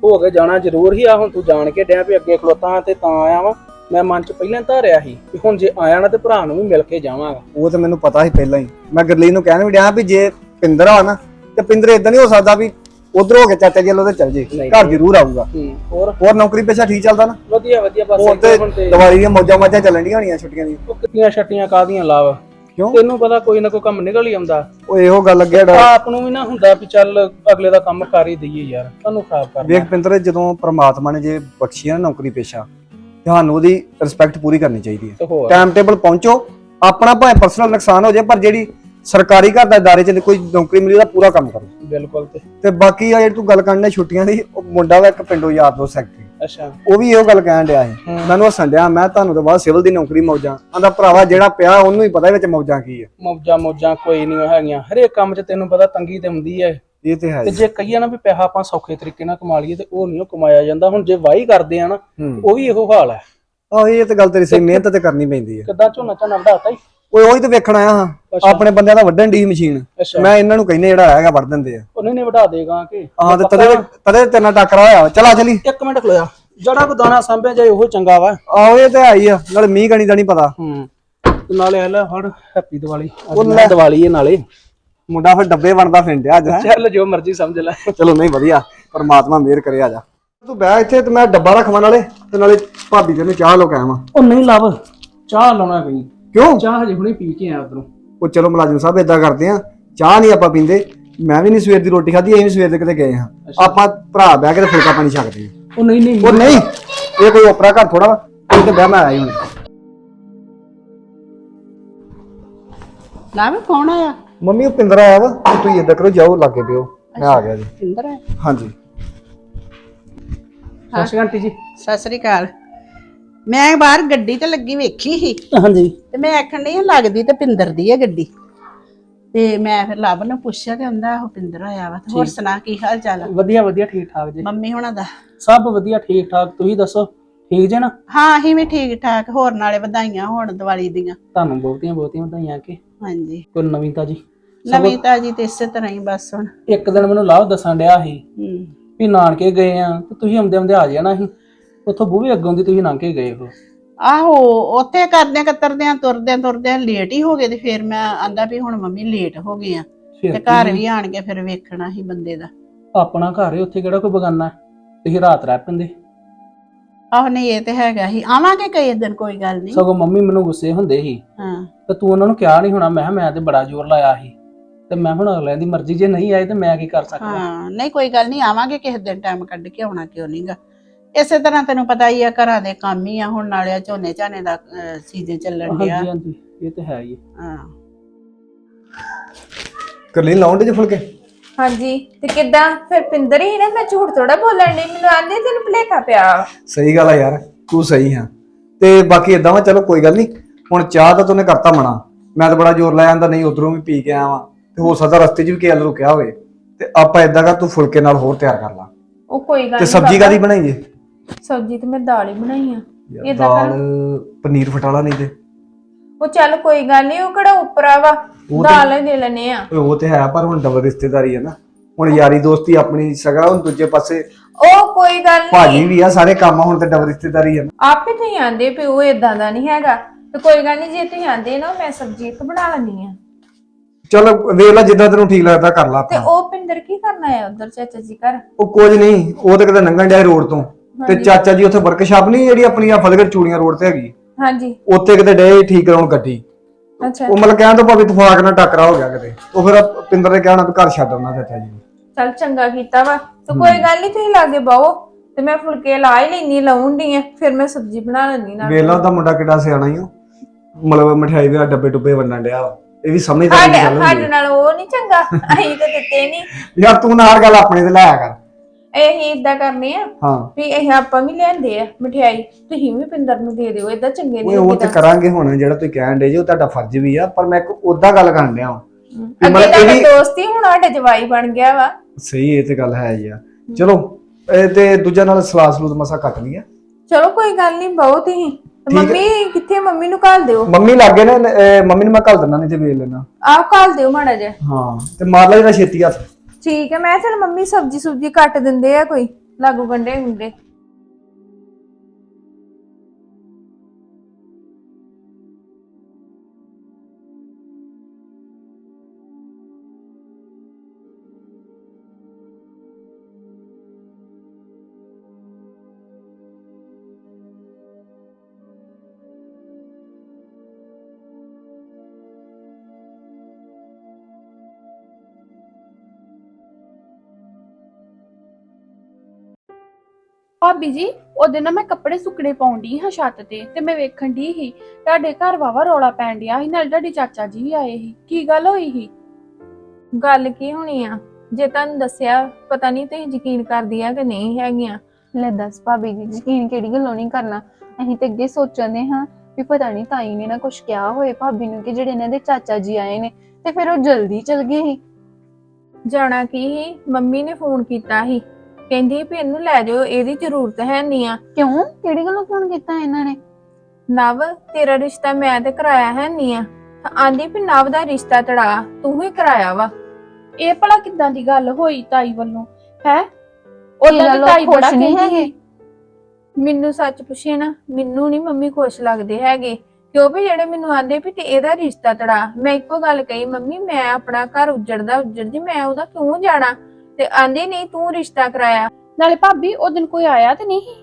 ਹੋ ਕੇ ਜਾਣਾ ਜ਼ਰੂਰ ਹੀ ਆ। ਹੁਣ ਤੂੰ ਜਾਣ ਕੇ ਡਿਆ ਵੀ ਅੱਗੇ ਖਲੋਤਾ ਤੇ ਤਾਂ ਆਇਆ ਵਾ। ਮੈਂ ਮਨ ਚ ਪਹਿਲਾਂ ਧਾਰਿਆ ਸੀ ਵੀ ਹੁਣ ਜੇ ਆਇਆ ਨਾ ਤੇ ਭਰਾ ਨੂੰ ਵੀ ਮਿਲ ਕੇ ਜਾਵਾਂਗਾ।
ਉਹ ਤਾਂ ਮੈਨੂੰ ਪਤਾ ਸੀ ਪਹਿਲਾਂ ਹੀ। ਮੈਂ ਗਰਲੀਨ ਨੂੰ ਕਹਿਣ ਵੀ ਡਿਆ ਵੀ ਜੇ ਪਿੰਦਰ ਆ ਨਾ ਤੇ ਪਿੰਦਰ ਇਦਾਂ ਨਹੀਂ ਹੋ ਸਕਦਾ ਵੀ ਉਧਰ ਹੋ ਕੇ ਚਾਚਾ ਜੀ ਵੱਲੋਂ ਤੇ ਚੱਲ ਜੇ, ਘਰ ਜ਼ਰੂਰ ਆਊਗਾ।
ਹੂੰ ਹੋਰ
ਹੋਰ ਨੌਕਰੀ ਪੇਸ਼ਾ ਠੀਕ ਚੱਲਦਾ ਨਾ?
ਵਧੀਆ ਵਧੀਆ। ਬਸ
ਉਹ ਤੇ
ਹੁਣ ਤੇ
ਦੀਵਾਲੀ ਦੀਆਂ ਮੌਜਾਂ ਮਾਜਾਂ ਚੱਲਣ ਡੀਆਂ ਹੋਣੀਆਂ ਛੁੱਟੀਆਂ ਦੀਆਂ।
ਉਹ ਕਿੰਨੀਆਂ ਛੱਟੀਆਂ ਕਾਹਦੀਆਂ ਲਾਭ,
ਕਿਉਂ?
ਤੈਨੂੰ ਪਤਾ ਕੋਈ ਨਾ ਕੋਈ ਕੰਮ ਨਿਕਲ ਹੀ ਆਉਂਦਾ।
ਉਹ ਇਹੋ ਗੱਲ ਅੱਗੇ ਡਾ
ਆਪ ਨੂੰ ਵੀ ਨਾ ਹੁੰਦਾ ਵੀ ਚੱਲ ਅਗਲੇ ਦਾ ਕੰਮ ਕਰ ਹੀ ਦਈਏ ਯਾਰ, ਤੁਹਾਨੂੰ ਖਰਾਬ ਕਰਨਾ।
ਵੇਖ ਪਿੰਦਰ, ਜਦੋਂ ਪ੍ਰਮਾਤਮਾ ਨੇ ਜੇ ਬਖਸ਼ੀ ਆ ਨਾ ਨੌਕਰੀ ਪੇਸ਼ਾ, ਤੁਹਾਨੂੰ ਉਹਦੀ ਰਿਸਪੈਕਟ ਪੂਰੀ ਕਰਨੀ ਚਾਹੀਦੀ ਹੈ।
ਤੇ ਹੋਰ
ਟਾਈਮ ਟੇਬਲ ਪਹੁੰਚੋ, ਆਪਣਾ ਭਾਵੇਂ ਪਰਸਨਲ ਨੁਕਸਾਨ ਹੋ ਜਾਏ ਪਰ ਜਿਹੜੀ ਸਰਕਾਰੀ ਘਰ ਦਾ ادارے ਚ ਕੋਈ ਨੌਕਰੀ ਮਿਲੀ ਉਹਦਾ ਪੂਰਾ ਕੰਮ ਕਰੋ।
ਬਿਲਕੁਲ। ਤੇ
ਤੇ ਬਾਕੀ ਆ ਜਿਹੜੀ ਤੂੰ ਗੱਲ ਕਰਨੀ ਛੁੱਟੀਆਂ ਦੀ, ਉਹ ਮੁੰਡਾ ਵਾ ਇੱਕ ਪਿੰਡੋਂ ਯਾਰ ਦੋਸਤ ਸੈਕਟਰੀ,
ਅੱਛਾ
ਉਹ ਵੀ ਇਹੋ ਗੱਲ ਕਹਿਣ ਡਿਆ ਸੀ। ਮੈਨੂੰ ਹੱਸਣ ਡਿਆ, ਮੈਂ ਤੁਹਾਨੂੰ ਤਾਂ ਬਾਅਦ ਸਿਵਲ ਦੀ ਨੌਕਰੀ ਮੌਜਾਂ ਆਂਦਾ। ਭਰਾਵਾ ਜਿਹੜਾ ਪਿਆ ਉਹਨੂੰ ਹੀ ਪਤਾ ਵਿੱਚ ਮੌਜਾਂ ਕੀ ਹੈ।
ਮੌਜਾਂ ਮੌਜਾਂ ਕੋਈ ਨਹੀਂ ਹੈਗੀਆਂ, ਹਰੇਕ ਕੰਮ 'ਚ ਤੈਨੂੰ ਪਤਾ ਤੰਗੀ ਤੇ ਹੁੰਦੀ ਹੈ।
ਇਹ ਤੇ ਹੈ।
ਤੇ ਜੇ ਕਹੀਏ ਨਾ ਵੀ ਪੈਸਾ ਆਪਾਂ ਸੌਖੇ ਤਰੀਕੇ ਨਾਲ ਕਮਾ ਲਈਏ ਤੇ ਉਹ ਨਹੀਂ ਕਮਾਇਆ ਜਾਂਦਾ। ਹੁਣ ਜੇ ਵਾਹੀ ਕਰਦੇ ਆ ਨਾ ਉਹ ਵੀ ਇਹੋ ਹਾਲ ਹੈ।
ਆਹੋ ਇਹ ਤੇ ਗੱਲ ਤੇਰੀ ਸਹੀ, ਮਿਹਨਤ ਤੇ ਕਰਨੀ ਪੈਂਦੀ ਹੈ।
ਕਿੱਦਾਂ ਝੋਨਾ ਝਾਨਾ ਵਧਾਤਾ ਹੀ।
ਓਏ ਉਹੀ ਤੇ ਵੇਖਣ ਆਇਆ ਹਾਂ, ਆਪਣੇ ਬੰਦਿਆਂ ਦਾ ਵੱਢਣ ਦੀ ਮਸ਼ੀਨ। ਮੈਂ ਇਹਨਾਂ ਨੂੰ ਕਹਿੰਦੇ ਜਿਹੜਾ ਹੈਗਾ ਵੱਢ ਦਿੰਦੇ ਆ।
ਉਹਨੇ ਨੇ ਵਧਾ ਦੇਗਾ ਕਿ
ਹਾਂ ਤੇ ਤਦੇ ਤਦੇ ਤੇਰੇ ਨਾਲ ਟੱਕਰਾ ਹੋਇਆ। ਚਲਾ ਚਲੀ
ਇੱਕ ਮਿੰਟ ਖਲੋਇਆ, ਜਿਹੜਾ ਕੋ ਦਾਣਾ ਸਾਂਭਿਆ ਜਾਏ ਉਹ ਚੰਗਾ ਵਾ।
ਆਹੋ ਇਹ ਤੇ ਆਈ ਆ, ਨਾਲੇ ਮੀਂਹ ਕਣੀ ਦਾ ਨਹੀਂ ਪਤਾ।
ਹੂੰ ਤੇ ਨਾਲੇ ਆ ਲੈ ਫੜ ਹੈਪੀ ਦੀਵਾਲੀ। ਅੱਜ ਦੀਵਾਲੀ ਹੈ ਨਾਲੇ
ਮੁੰਡਾ ਫਿਰ ਡੱਬੇ ਬਣਦਾ ਫਿੰਡਿਆ ਅੱਜ।
ਚੱਲ ਜੋ ਮਰਜ਼ੀ ਸਮਝ ਲੈ।
ਚਲੋ ਨਹੀਂ ਵਧੀਆ, ਪਰਮਾਤਮਾ ਮਿਹਰ ਕਰੇ। ਆ ਜਾ ਤੂੰ ਬਹਿ ਇੱਥੇ ਤੇ ਮੈਂ ਡੱਬਾ ਰੱਖਵਾਂ ਨਾਲੇ ਤੇ ਨਾਲੇ ਭਾਬੀ ਤੈਨੂੰ ਚਾਹ ਲੋ ਕੇ ਆਵਾਂ।
ਉਹ ਨਹੀਂ ਲੱਭ ਚਾਹ ਲਾਉਣਾ ਕਹੀਂ।
ਕਿਉਂ?
ਚਾਹ ਹਜੇ ਹੁਣੇ ਪੀ ਕੇ ਆਇਆ ਉਧਰੋਂ।
ਉਹ ਚਲੋ ਮੁਲਾਜ਼ਮ ਸਾਹਿਬ ਏਦਾਂ ਕਰਦੇ ਆ, ਚਾਹ ਨਹੀਂ ਆਪਾਂ ਪੀਂਦੇ। ਮੈਂ ਵੀ ਨਹੀਂ ਸਵੇਰ ਦੀ ਰੋਟੀ ਖਾਧੀ, ਅਸੀਂ ਵੀ ਸਵੇਰ ਦੇ ਕਿਤੇ ਗਏ ਹਾਂ। ਆਪਾਂ ਭਰਾ ਬਹਿ ਕੇ ਤੇ ਫੁਲਕਾ ਪਾਣੀ ਛਕਦੇ ਆ।
ਉਹ ਨਹੀਂ ਨਹੀਂ
ਉਹ ਨਹੀਂ, ਇਹ ਕੋਈ ਓਪਰਾ ਘਰ ਥੋੜਾ ਵਾ। ਇਹ ਤੇ ਬਹਿ ਮੈਂ ਆਇਆ ਹੁਣ।
ਨਾ ਵੀ ਕੌਣ ਆਇਆ?
ਮੰਮੀ ਉਹ ਪਿੰਦਰ ਆਇਆ ਵਾ, ਤੇ ਤੁਸੀਂ ਏਦਾਂ ਕਰੋ ਜਾਓ ਲਾਗੇ ਪਿਓ, ਮੈਂ ਆ ਗਿਆ ਜੀ।
ਪਿੰਦਰ ਹੈ?
ਹਾਂਜੀ
ਸਤਿ ਸ਼੍ਰੀ ਅਕਾਲ ਆਂਟੀ ਜੀ।
ਸਤਿ ਸ੍ਰੀ ਅਕਾਲ। ਮੈਂ ਬਾਹਰ ਗੱਡੀ ਤੇ ਲੱਗੀ ਵੇਖੀ ਸੀ
ਹਾਂਜੀ।
ਤੇ ਮੈਂ ਆਖਣ ਡਈ ਲੱਗਦੀ ਤੇ ਪਿੰਦਰ ਦੀ ਹੈ ਗੱਡੀ। ਤੇ ਮੈਂ ਫਿਰ ਲੱਭ ਨੂੰ ਪੁੱਛਿਆ ਤੇ ਆਂਦਾ ਉਹ ਪਿੰਦਰ ਆਇਆ ਵਾ। ਹੋਰ ਸੁਣਾ ਕੀ ਹਾਲ ਚਾਲ?
ਵਧੀਆ ਵਧੀਆ, ਠੀਕ ਠਾਕ ਜੀ।
ਮੰਮੀ ਹੁਣਾਂ ਦਾ
ਸਭ ਵਧੀਆ ਠੀਕ ਠਾਕ। ਤੁਸੀਂ ਦੱਸੋ ਠੀਕ ਜੇ ਨਾ?
ਹਾਂ ਅਸੀਂ ਵੀ ਠੀਕ ਠਾਕ। ਹੋਰ ਨਾਲੇ ਵਧਾਈਆਂ ਹੋਣ ਦੀਵਾਲੀ ਦੀਆਂ।
ਤੁਹਾਨੂੰ ਬਹੁਤੀਆਂ ਬਹੁਤੀਆਂ ਵਧਾਈਆਂ। ਕਿ
ਹਾਂਜੀ
ਕੋਈ ਨਵੀਂ ਤਾਜੀ?
ਨਵੀਂ ਤਾਜੀ ਤੇ ਇਸੇ ਤਰ੍ਹਾਂ ਹੀ ਬਸ ਹੁਣ।
ਇੱਕ ਦਿਨ ਮੈਨੂੰ ਲਾਭ ਦੱਸਣ ਡਿਆ ਸੀ
ਹੂੰ
ਵੀ ਨਾਨਕੇ ਗਏ ਆ ਤੇ ਤੁਸੀਂ ਆਉਂਦੇ ਆਉਂਦੇ ਆ ਜਾਣਾ ਸੀ। ਉੱਥੋਂ ਬੂਹੇ ਅੱਗੋਂ ਦੀ ਤੁਸੀਂ ਲੰਘ ਕੇ ਗਏ ਹੋ।
ਆਹੋ ਉੱਥੇ ਕਰਦਿਆਂ ਕਤਰਦਿਆਂ ਤੁਰਦਿਆਂ ਤੁਰਦਿਆਂ ਲੇਟ ਹੀ ਹੋ ਗਏ। ਤੇ ਫਿਰ ਮੈਂ ਆਂਦਾ ਵੀ ਹੁਣ ਮੰਮੀ ਲੇਟ ਹੋ ਗਏ ਆ ਤੇ ਘਰ ਵੀ ਆਣ ਕੇ ਫਿਰ ਵੇਖਣਾ ਸੀ ਬੰਦੇ ਦਾ।
ਆਪਣਾ ਘਰ ਹੈ, ਉੱਥੇ ਕਿਹੜਾ ਕੋਈ ਬਗਾਨਾ। ਤੁਸੀਂ ਰਾਤ ਰਹਿ ਪੈਂਦੇ।
ਆਹੋ ਨਹੀਂ ਇਹ ਤੇ ਹੈਗਾ ਹੀ। ਆਵਾਂਗੇ ਕਈ ਦਿਨ, ਕੋਈ ਗੱਲ ਨਹੀਂ।
ਸਗੋਂ ਮੰਮੀ ਮੈਨੂੰ ਗੁੱਸੇ ਹੁੰਦੇ ਸੀ
ਹਾਂ
ਤੇ ਤੂੰ ਉਹਨਾਂ ਨੂੰ ਕਿਹਾ ਨਹੀਂ ਹੋਣਾ। ਮੈਂ ਮੈਂ ਤੇ ਬੜਾ ਜ਼ੋਰ ਲਾਇਆ ਸੀ ਤੇ ਮੈਂ ਹੁਣ ਅਗਲਿਆਂ ਦੀ ਮਰਜ਼ੀ, ਜੇ ਨਹੀਂ ਆਏ ਤੇ ਮੈਂ ਕੀ ਕਰ ਸਕਦਾ।
ਹਾਂ ਨਹੀਂ ਕੋਈ ਗੱਲ ਨਹੀਂ, ਆਵਾਂਗੇ ਕਿਸੇ ਦਿਨ ਟਾਈਮ ਕੱਢ ਕੇ। ਆਉਣਾ ਕਿਉਂ ਨਹੀਂਗਾ। ਇਸੇ ਤਰ੍ਹਾਂ ਤੈਨੂੰ ਪਤਾ ਹੀ ਆ, ਘਰਾਂ ਦੇ ਕੰਮ ਹੀ ਆ। ਹੁਣ ਨਾਲੇ ਝੋਨੇ ਝਾਨੇ ਦਾ ਸੀਜ਼ਨ ਚੱਲਣ ਡਿਆ।
ਹਾਂਜੀ ਹਾਂਜੀ ਇਹ ਤੇ ਹੈ ਹੀ।
ਹਾਂ
ਕਰਲੀ ਲਾਉਂਦੇ ਜੇ ਫੁਲਕੇ।
ਹਾਂਜੀ ਤੇ ਕਿੱਦਾਂ ਫਿਰ ਪਿੰਦਰ ਹੀ ਨਾ, ਮੈਂ ਝੂਠ ਥੋੜਾ ਬੋਲਣ ਡਈ। ਮੈਨੂੰ ਆਂਦੇ ਤੈਨੂੰ ਭੁਲੇਖਾ ਪਿਆ।
ਸਹੀ ਗੱਲ ਆ ਯਾਰ, ਤੂੰ ਸਹੀ ਆ। ਤੇ ਬਾਕੀ ਏਦਾਂ ਵਾ, ਚਲੋ ਕੋਈ ਗੱਲ ਨਹੀਂ। ਹੁਣ ਚਾਹ ਤਾਂ ਤੂੰ ਕਰਤਾ ਮਨਾ, ਮੈਂ ਤਾਂ ਬੜਾ ਜ਼ੋਰ ਲਾਇਆ ਆਂਦਾ ਨਹੀਂ ਉਧਰੋਂ ਵੀ ਪੀ ਕੇ ਆਇਆ ਵਾਂ। ਤੇ ਹੋ ਸਕਦਾ ਰਸਤੇ 'ਚ ਵੀ ਕਿਸੇ ਰੁਕਿਆ ਹੋਵੇ। ਤੇ ਆਪਾਂ ਏਦਾਂ ਕਰ, ਤੂੰ ਫੁਲਕੇ ਨਾਲ ਹੋਰ ਤਿਆਰ ਕਰ ਲਾ।
ਉਹ ਕੋਈ ਗੱਲ
ਤੇ
ਨੀ
ਸਬਜ਼ੀ
ਬਾਬਾ।
ਕਾਦੀ ਬਣਾਈ ਜੇ?
ਸਬਜ਼ੀ ਤੇ ਮੈਂ ਦਾਲ ਹੀ ਬਣਾਈ ਆ।
ਯਾਰ ਦਾਲ ਪਨੀਰ ਫਟਾਲਾ ਨਹੀਂ ਤੇ
ਉਹ ਚੱਲ ਕੋਈ ਗੱਲ ਨਹੀਂ, ਉਹ ਕਿਹੜਾ ਉਪਰਾ ਵਾ। ਦਾਲ ਹੀ ਦੇ ਲੈਨੇ ਆ।
ਓਏ ਉਹ ਤੇ ਹੈ, ਪਰ ਹੁਣ ਡਬਲ ਰਿਸ਼ਤੇਦਾਰੀ ਹੈ ਨਾ। ਹੁਣ ਯਾਰੀ ਦੋਸਤੀ ਆਪਣੀ ਸਗਾ, ਹੁਣ ਦੂਜੇ ਪਾਸੇ
ਉਹ ਕੋਈ ਗੱਲ
ਭਾਜੀ
ਨਹੀਂ,
ਵੀ ਆ, ਸਾਰੇ ਕੰਮ ਹੁਣ ਤੇ ਡਬਲ ਰਿਸ਼ਤੇਦਾਰੀ ਹੈ ਨਾ।
ਆਪੇ ਤੁਸੀਂ ਆਂਦੇ ਵੀ ਉਹ ਏਦਾਂ ਦਾ ਨਹੀਂ ਹੈਗਾ। ਤੇ ਕੋਈ ਗੱਲ ਨਹੀਂ, ਜੇ ਤੁਸੀਂ ਆਂਦੇ ਨਾ ਮੈਂ ਸਬਜ਼ੀ ਇੱਕ ਬਣਾ ਲੈਣੀ ਆ।
ਚਲ ਵੇਖ ਲੈ, ਜਿੱਦਾਂ ਤੈਨੂੰ ਠੀਕ ਲੱਗਦਾ ਕਰ ਲਾ
ਤੇ
ਆਪਣਾ।
ਉਹ ਪਿੰਦਰ ਕੀ ਕਰਨਾ ਹੈ ਉਧਰ ਚਾਚਾ ਜੀ ਘਰ?
ਉਹ ਕੁਝ ਨਹੀਂ, ਉਹ ਤਾਂ ਕਿਤੇ ਲੰਘਣ ਡਿਆ ਰੋਡ ਤੋਂ। ਤੇ ਚਾਚਾ ਜੀ ਉੱਥੇ ਵਰਕਸ਼ਾਪ ਨਹੀਂ ਜਿਹੜੀ ਆਪਣੀ ਆ ਫਤਿਹਗੜ੍ਹ ਚੂੜੀਆਂ ਰੋਡ ਤੇ ਹੈਗੀ,
ਹਾਂਜੀ
ਉੱਥੇ ਕਿਤੇ ਡੇ ਠੀਕ ਕਰਾਉਣ ਗੱਡੀ।
ਅੱਛਾ
ਉਹ ਮਤਲਬ ਕਹਿਣ ਤੋਂ ਭਾਵੇਂ ਤਫਾਕ ਨਾਲ ਟੱਕਰਾ ਹੋ ਗਿਆ ਕਿਤੇ। ਉਹ ਫਿਰ ਪਿੰਦਰ ਨੇ ਕਹਿਣਾ ਵੀ ਘਰ ਛੱਡ ਆਉਣਾ ਚਾਚਾ ਜੀ ਨੂੰ।
ਚੱਲ ਚੰਗਾ ਕੀਤਾ ਵਾ। ਤੇ ਕੋਈ ਗੱਲ ਨਹੀਂ, ਤੁਸੀਂ ਲਾਗੇ ਬਾਓ ਤੇ ਮੈਂ ਫੁਲਕੇ ਲਾ ਹੀ ਲੈਣੀ, ਲਾਉਂਦੀ ਆ। ਫਿਰ ਮੈਂ ਸਬਜ਼ੀ ਬਣਾ ਲੈਣੀ ਨਾਲ।
ਵੇਖ ਲਾ ਉਹਦਾ ਮੁੰਡਾ ਕਿੱਡਾ ਸਿਆਣਾ ਈ ਓ, ਮਤਲਬ ਮਠਿਆਈ ਦੇ ਡੱਬੇ ਡੁੱਬੇ ਵੰਡਣ ਡਿਆ। ਇਹ ਵੀ ਸਮਝਦਾ
ਸਾਡੇ
ਨਹੀਂ ਗੱਲ
ਸਾਡੇ
ਹੁੰਦੀ।
ਨਾਲ ਉਹ ਨਹੀਂ ਚੰਗਾ, ਅਸੀਂ ਤਾਂ ਦਿੱਤੇ ਨਹੀਂ।
ਯਾਰ ਤੂੰ ਨਾ ਹਰ ਗੱਲ ਆਪਣੇ ਤੇ ਲਾਇਆ ਕਰ।
ਅਸੀਂ ਏਦਾਂ ਕਰਨੇ ਆ
ਹਾਂ
ਵੀ ਇਹ ਆਪਾਂ ਵੀ ਲਿਆਂਦੇ ਆ ਮਠਿਆਈ, ਤੁਸੀਂ ਵੀ ਪਿੰਦਰ ਨੂੰ ਦੇ ਦਿਓ। ਏਦਾਂ ਚੰਗੇ
ਓਏ
ਨਹੀਂ
ਉਹ ਤੇ
ਲੱਗਦਾ।
ਕਰਾਂਗੇ ਹੁਣ, ਜਿਹੜਾ ਤੁਸੀਂ ਕਹਿਣ ਡੇ ਜੀ ਉਹ ਤੁਹਾਡਾ ਫਰਜ਼ ਵੀ ਆ। ਪਰ ਮੈਂ ਇੱਕ ਉਦਾਂ ਗੱਲ ਕਰਨ ਡਿਆ ਵਾਂ।
ਅੱਗੇ ਤਾਂ ਦੋਸਤੀ, ਹੁਣ ਸਾਡੇ ਜਵਾਈ ਬਣ ਗਿਆ ਵਾ।
ਸਹੀ, ਇਹ ਤੇ ਗੱਲ ਹੈ ਹੀ ਆ। ਚਲੋ ਇਹ ਤੇ ਦੂਜਾ ਨਾਲ ਸਲਾਦ ਸਲੂਦ ਮਸਾ ਕੱਟ ਲਿਆ।
ਚਲੋ ਕੋਈ ਗੱਲ ਨਹੀਂ, ਬਹੁਤ ਹੀ। ਮੰਮੀ ਕਿੱਥੇ? ਮੰਮੀ ਨੂੰ ਘੱਲ ਦਿਓ।
ਮੰਮੀ ਲੱਗੇ ਨੇ, ਅਹ ਮੰਮੀ ਨੂੰ ਮੈਂ ਘੱਲ ਦਿੰਦਾ, ਨਹੀਂ ਤੇ ਵੇਖ ਲੈਣਾ।
ਆਹ ਘੱਲ ਦਿਓ ਮਾੜਾ ਜਿਹਾ।
ਹਾਂ ਤੇ ਮਾਰ ਲੈ ਜਿਹੜਾ ਛੇਤੀ ਹੱਥ।
ਠੀਕ ਹੈ। ਮੈਂ ਚਲ ਮੰਮੀ ਸਬਜੀ ਸੁਬਜੀ ਕੱਟ ਦਿੰਦੇ ਆ ਕੋਈ, ਲਾਗੂ ਗੰਡੇ ਹੁੰਦੇ।
ਭਾਬੀ ਜੀ ਉਹਦੇ ਨਾ ਮੈਂ ਕੱਪੜੇ ਸੁੱਕਣੇ ਪਾਉਣ ਡਈ ਹਾਂ ਛੱਤ ਤੇ ਤੇ ਮੈਂ ਵੇਖਣ ਡਈ ਸੀ ਤੁਹਾਡੇ ਘਰ ਵਾਵਾ ਰੌਲਾ ਪੈਣ ਡਿਆ ਸੀ, ਨਾਲ ਤੁਹਾਡੇ ਚਾਚਾ ਜੀ ਵੀ ਆਏ ਸੀ। ਕੀ ਗੱਲ ਹੋਈ ਸੀ?
ਗੱਲ ਕੀ ਹੋਣੀ ਆ? ਜੇ ਤੁਹਾਨੂੰ ਦੱਸਿਆ ਪਤਾ ਨਹੀਂ ਤੁਸੀਂ ਯਕੀਨ ਕਰਦੀਆਂ ਕਿ ਨਹੀਂ ਹੈਗੀਆਂ।
ਲੈ ਦੱਸ ਭਾਬੀ ਜੀ, ਯਕੀਨ ਕਿਹੜੀ ਗੱਲੋਂ ਨਹੀਂ ਕਰਨਾ। ਅਸੀਂ ਤੇ ਅੱਗੇ ਸੋਚਦੇ ਹਾਂ ਵੀ ਪਤਾ ਨਹੀਂ ਤਾਈ ਨੇ ਨਾ ਕੁਝ ਕਿਹਾ ਹੋਏ ਭਾਬੀ ਨੂੰ ਕਿ ਜਿਹੜੇ ਇਹਨਾਂ ਦੇ ਚਾਚਾ ਜੀ ਆਏ ਨੇ ਤੇ ਫਿਰ ਉਹ ਜਲਦੀ ਚਲ ਗਏ ਸੀ।
ਜਾਣਾ ਕੀ ਸੀ, ਮੰਮੀ ਨੇ ਫੋਨ ਕੀਤਾ ਸੀ, ਕਹਿੰਦੀ ਵੀ ਇਹਨੂੰ ਲੈ ਜਾਓ, ਇਹਦੀ ਜ਼ਰੂਰਤ ਹੈ ਨਹੀਂ ਆ।
ਕਿਉਂ? ਕਿਹੜੀ ਗੱਲੋਂ ਫੋਨ ਕੀਤਾ ਇਹਨਾਂ ਨੇ?
ਨਵ ਤੇਰਾ ਰਿਸ਼ਤਾ ਮੈਂ ਤੇ ਕਰਾਇਆ ਹੈ ਨਹੀਂ ਆ। ਆਂਦੀ ਵੀ ਨਵ ਦਾ ਰਿਸ਼ਤਾ ਤੜਾ ਤੂੰ ਹੀ ਕਰਾਇਆ ਵਾ।
ਇਹ ਭਲਾ ਕਿੱਦਾਂ ਦੀ ਗੱਲ ਹੋਈ ਤਾਈ ਵੱਲੋਂ? ਹੈ
ਇਹ
ਉਦੋਂ
ਗੱਲੋਂ
ਤਾਈ ਬੜਾ
ਖੁਸ਼ ਨਹੀਂ
ਕਹਿੰਦੀ
ਹੈਗੇ।
ਸੀ।
ਮੈਨੂੰ ਸੱਚ ਪੁੱਛੇ ਨਾ, ਮੈਨੂੰ ਨਹੀਂ ਮੰਮੀ ਖੁਸ਼ ਲੱਗਦੇ ਹੈਗੇ, ਕਿਉਂਕਿ ਜਿਹੜੇ ਮੈਨੂੰ ਆਂਦੇ ਵੀ ਤੇ ਇਹਦਾ ਰਿਸ਼ਤਾ ਤੜਾ। ਮੈਂ ਇੱਕੋ ਗੱਲ ਕਹੀ, ਮੰਮੀ ਮੈਂ ਆਪਣਾ ਘਰ ਉੱਜੜਦਾ ਉੱਜੜ ਜੀ ਮੈਂ ਉਹਦਾ ਕਿਉਂ ਜਾਣਾ? ਤੇ ਆਂਦੇ ਨਹੀਂ ਤੂੰ ਰਿਸ਼ਤਾ ਕਰਾਇਆ।
ਨਾਲੇ ਭਾਬੀ ਉਹ ਦਿਨ ਕੋਈ ਆਇਆ ਤੇ ਨਹੀਂ?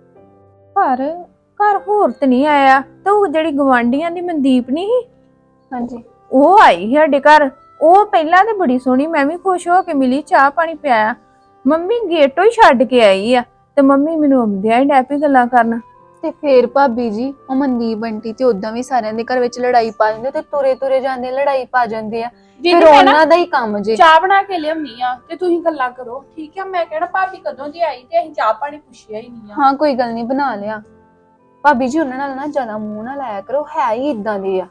ਘਰ ਘਰ ਹੋਰ ਤੇ ਨਹੀਂ ਆਇਆ, ਤੇ ਉਹ ਜਿਹੜੀ ਗਵਾਂਢੀਆਂ ਦੀ ਮਨਦੀਪ ਨਹੀਂ ਸੀ,
ਹਾਂਜੀ,
ਉਹ ਆਈ ਸੀ ਸਾਡੇ ਘਰ। ਉਹ ਪਹਿਲਾਂ ਤੇ ਬੜੀ ਸੋਹਣੀ, ਮੈਂ ਵੀ ਖੁਸ਼ ਹੋ ਕੇ ਮਿਲੀ, ਚਾਹ ਪਾਣੀ ਪਿਆਇਆ। ਮੰਮੀ ਗੇਟੋਂ ਹੀ ਛੱਡ ਕੇ ਆਈ ਆ ਤੇ ਮੰਮੀ ਮੈਨੂੰ ਆਉਂਦਿਆਂ ਹੀ ਡੈਪੀ ਗੱਲਾਂ ਕਰਨ।
ਤੇ ਫੇਰ ਭਾਬੀ ਜੀ ਉਹ ਮਨਦੀਪ ਆਂਟੀ ਤੇ ਉਦਾਂ ਵੀ ਸਾਰਿਆਂ ਦੇ ਘਰ ਵਿੱਚ ਲੜਾਈ ਪਾ ਜਾਂਦੇ ਤੇ ਤੁਰੇ ਤੁਰੇ ਜਾਂਦੇ ਲੜਾਈ ਪਾ ਜਾਂਦੇ ਆ। ਫਿਰ ਉਹਨਾਂ ਦਾ ਹੀ ਕੰਮ ਜੇ।
ਚਾਹ ਬਣਾ ਕੇ ਲਿਆਉਣੀ ਆ ਤੇ ਤੁਸੀਂ ਗੱਲਾਂ ਕਰੋ, ਠੀਕ ਆ? ਮੈਂ ਕਿਹੜਾ ਭਾਬੀ ਕਦੋਂ ਦੀ ਆਈ ਤੇ ਅਸੀਂ ਚਾਹ ਪਾਣੀ ਪੁੱਛਿਆ ਹੀ ਨਹੀਂ ਆ।
ਹਾਂ ਕੋਈ ਗੱਲ ਨਹੀਂ, ਬਣਾ ਲਿਆ। ਭਾਬੀ ਜੀ ਉਹਨਾਂ ਨਾਲ ਨਾ ਜ਼ਿਆਦਾ ਮੂੰਹ ਨਾ ਲਾਇਆ ਕਰੋ, ਹੈ ਹੀ ਇਦਾਂ ਦੇ ਆ।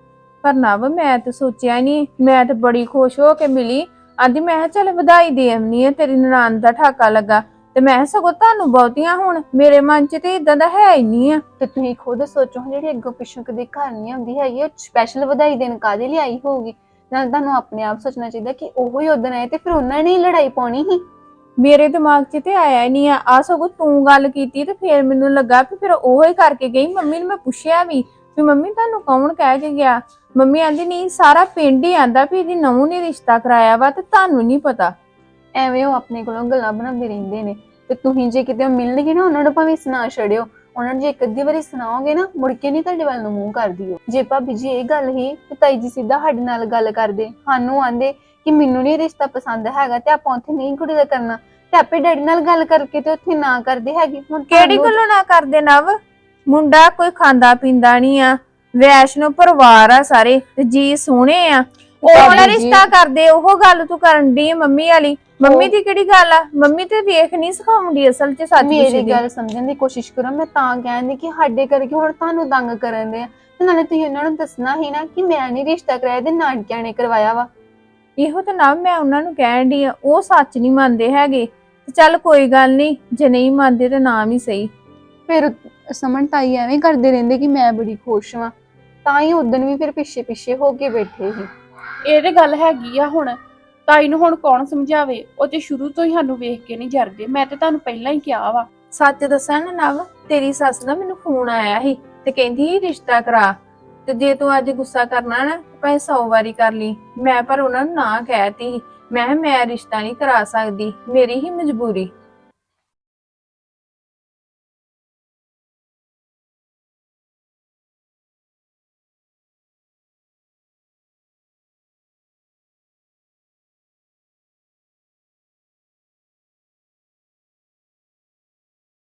ਪਰ ਨਵ ਮੈਂ ਤੇ ਸੋਚਿਆ ਨਹੀਂ, ਮੈਂ ਤੇ ਬੜੀ ਖੁਸ਼ ਹੋ ਕੇ ਮਿਲੀ। ਆਂਦੀ ਮੈਂ ਕਿਹਾ ਚੱਲ ਵਧਾਈ ਦੇ ਆਉਣੀ ਆ, ਤੇਰੀ ਨਨਾਣ ਦਾ ਠਾਕਾ ਲੱਗਾ। ਤੇ ਮੈਂ ਸਗੋਂ ਤੁਹਾਨੂੰ ਬਹੁਤੀਆਂ, ਹੁਣ ਮੇਰੇ ਮਨ 'ਚ ਤੇ ਇਦਾਂ ਦਾ ਹੈ ਹੀ ਨਹੀਂ ਆ।
ਤੇ ਤੁਸੀਂ ਖੁਦ ਸੋਚੋ, ਜਿਹੜੀ ਅੱਗੋਂ ਪਿੱਛੋਂ ਕਦੇ ਘਰ ਨਹੀਂ ਆਉਂਦੀ ਹੈਗੀ, ਉਹ ਸਪੈਸ਼ਲ ਵਧਾਈ ਦੇਣ ਕਾਹਦੇ ਲਈ ਆਈ ਹੋਊਗੀ? ਨਾਲ ਤੁਹਾਨੂੰ ਆਪਣੇ ਆਪ ਸੋਚਣਾ ਚਾਹੀਦਾ ਕਿ ਉਹੋ ਹੀ ਉਦਣ ਆਏ ਤੇ ਫਿਰ ਉਹਨਾਂ ਨੇ ਹੀ ਲੜਾਈ ਪਾਉਣੀ ਸੀ।
ਮੇਰੇ ਦਿਮਾਗ 'ਚ ਤੇ ਆਇਆ ਹੀ ਨਹੀਂ ਆ। ਆ ਸਗੋਂ ਤੂੰ ਗੱਲ ਕੀਤੀ ਤੇ ਫਿਰ ਮੈਨੂੰ ਲੱਗਾ ਵੀ ਫਿਰ ਉਹੋ ਹੀ ਕਰਕੇ ਗਈ। ਮੰਮੀ ਨੂੰ ਮੈਂ ਪੁੱਛਿਆ ਵੀ ਵੀ ਮੰਮੀ ਤੁਹਾਨੂੰ ਕੌਣ ਕਹਿ ਕੇ ਗਿਆ? ਮੰਮੀ ਆਂਦੀ ਨਹੀਂ, ਸਾਰਾ ਪਿੰਡ ਹੀ ਆਂਦਾ ਵੀ ਇਹਦੀ ਨੂੰਹ ਨੇ ਰਿਸ਼ਤਾ ਕਰਾਇਆ ਵਾ ਤੇ ਤੁਹਾਨੂੰ ਨਹੀਂ ਪਤਾ।
ਐਵੇਂ ਉਹ ਆਪਣੇ ਕੋਲੋਂ ਗੱਲਾਂ ਬਣਾਉਂਦੇ ਰਹਿੰਦੇ ਨੇ। ਤੇ ਤੁਸੀਂ ਜੇ ਕਿਤੇ ਮਿਲਣਗੇ ਨਾ, ਉਹਨਾਂ ਨੂੰ ਭਾਵੇਂ ਸੁਣਾ ਛੜਿਓ। ਉਹਨਾਂ ਨੂੰ ਜੇ ਇੱਕ ਅੱਧੀ ਵਾਰੀ ਸੁਣਾਓਗੇ ਨਾ, ਮੁੜ ਕੇ ਨਹੀਂ ਤੁਹਾਡੇ ਵੱਲ ਨੂੰ ਮੂੰਹ ਕਰਦੀ। ਜੇ ਭਾਬੀ ਜੀ ਇਹ ਗੱਲ ਹੀ ਤੇ ਤਾਈ ਜੀ ਸਿੱਧਾ ਸਾਡੇ ਨਾਲ ਗੱਲ ਕਰਦੇ, ਸਾਨੂੰ ਆਂਦੇ ਕਿ ਮੈਨੂੰ ਨਹੀਂ ਰਿਸ਼ਤਾ ਪਸੰਦ ਹੈਗਾ ਤੇ ਆਪਾਂ ਉੱਥੇ ਨਹੀਂ ਕੁੜੀ ਦਾ ਕਰਨਾ, ਤੇ ਆਪੇ ਡੈਡੀ ਨਾਲ ਗੱਲ ਕਰਕੇ ਤੇ ਉੱਥੇ ਨਾ ਕਰਦੇ ਹੈਗੇ। ਹੁਣ
ਕਿਹੜੀ ਗੱਲੋਂ ਨਾ ਕਰਦੇ ਨਵ? ਮੁੰਡਾ ਕੋਈ ਖਾਂਦਾ ਪੀਂਦਾ ਨਹੀਂ ਆ, ਵੈਸ਼ਨੋ ਪਰਿਵਾਰ ਆ ਸਾਰੇ, ਤੇ ਜੀ ਸੋਹਣੇ ਆ। ਉਹ ਵਾਲਾ ਰਿਸ਼ਤਾ ਕਰਦੇ, ਉਹ ਗੱਲ ਤੂੰ ਕਰਨ ਦੀ ਮੰਮੀ ਵਾਲੀ। ਮੰਮੀ ਦੀ ਕਿਹੜੀ ਗੱਲ ਆ? ਮੰਮੀ ਤੇ ਵੇਖ ਨਹੀਂ ਸਿਖਾਉਂਦੀ ਅਸਲ 'ਚ। ਸੱਚ
ਮੇਰੀ ਗੱਲ ਸਮਝਣ ਦੀ ਕੋਸ਼ਿਸ਼ ਕਰੋ। ਮੈਂ ਤਾਂ ਕਹਿੰਦੀ ਕਿ ਸਾਡੇ ਕਰਕੇ ਹੁਣ ਤੁਹਾਨੂੰ ਤੰਗ ਕਰਨ ਦੇ ਆ, ਤੇ ਨਾਲੇ ਤੁਸੀਂ ਉਹਨਾਂ ਨੂੰ ਦੱਸਣਾ ਹੀ ਨਾ ਕਿ ਮੈਂ ਨਹੀਂ ਰਿਸ਼ਤਾ ਕਰਾਇਆ ਤੇ ਨਾਨਕਿਆਂ ਨੇ ਕਰਵਾਇਆ ਵਾ।
ਇਹੋ ਤਾਂ ਨਾ ਮੈਂ ਉਹਨਾਂ ਨੂੰ ਕਹਿਣ ਦੀ ਆ, ਉਹ ਸੱਚ ਨਹੀਂ ਮੰਨਦੇ ਹੈਗੇ। ਤੇ ਚੱਲ ਕੋਈ ਗੱਲ ਨਹੀਂ, ਜੇ ਨਹੀਂ ਮੰਨਦੇ ਤੇ ਨਾ ਵੀ ਸਹੀ।
ਫਿਰ ਸਮਨ ਤਾਈ ਐਵੇਂ ਕਰਦੇ ਰਹਿੰਦੇ ਕਿ ਮੈਂ ਬੜੀ ਖੁਸ਼ ਵਾਂ, ਤਾਂ ਹੀ ਉਦਣ ਵੀ ਫਿਰ ਪਿੱਛੇ ਪਿੱਛੇ ਹੋ ਕੇ ਬੈਠੇ ਸੀ।
ਇਹ ਤੇ ਗੱਲ ਹੈਗੀ ਆ। ਹੁਣ ਤਾਈ ਨੂੰ ਹੁਣ ਕੌਣ ਸਮਝਾਵੇ? ਉਹ ਤੇ ਸ਼ੁਰੂ ਤੋਂ ਹੀ ਸਾਨੂੰ ਵੇਖ ਕੇ ਨਹੀਂ ਜਰਦੇ। ਮੈਂ ਤੇ ਤੁਹਾਨੂੰ ਪਹਿਲਾਂ ਹੀ ਕਿਹਾ ਵਾ।
ਸੱਚ ਦੱਸਾਂ ਨਾ ਨਵ, ਤੇਰੀ ਸੱਸ ਦਾ ਮੈਨੂੰ ਫੋਨ ਆਇਆ ਸੀ ਤੇ ਕਹਿੰਦੀ ਸੀ ਰਿਸ਼ਤਾ ਕਰਾ, ਤੇ ਜੇ ਤੂੰ ਅੱਜ ਗੁੱਸਾ ਕਰਨਾ ਨਾ ਭਾਵੇਂ ਸੌ ਵਾਰੀ ਕਰ ਲਈ। ਮੈਂ ਪਰ ਉਹਨਾਂ ਨੂੰ ਨਾ ਕਹਿਤੀ। ਮੈਂ ਮੈਂ ਰਿਸ਼ਤਾ ਨਹੀਂ ਕਰਾ ਸਕਦੀ, ਮੇਰੀ ਹੀ ਮਜਬੂਰੀ।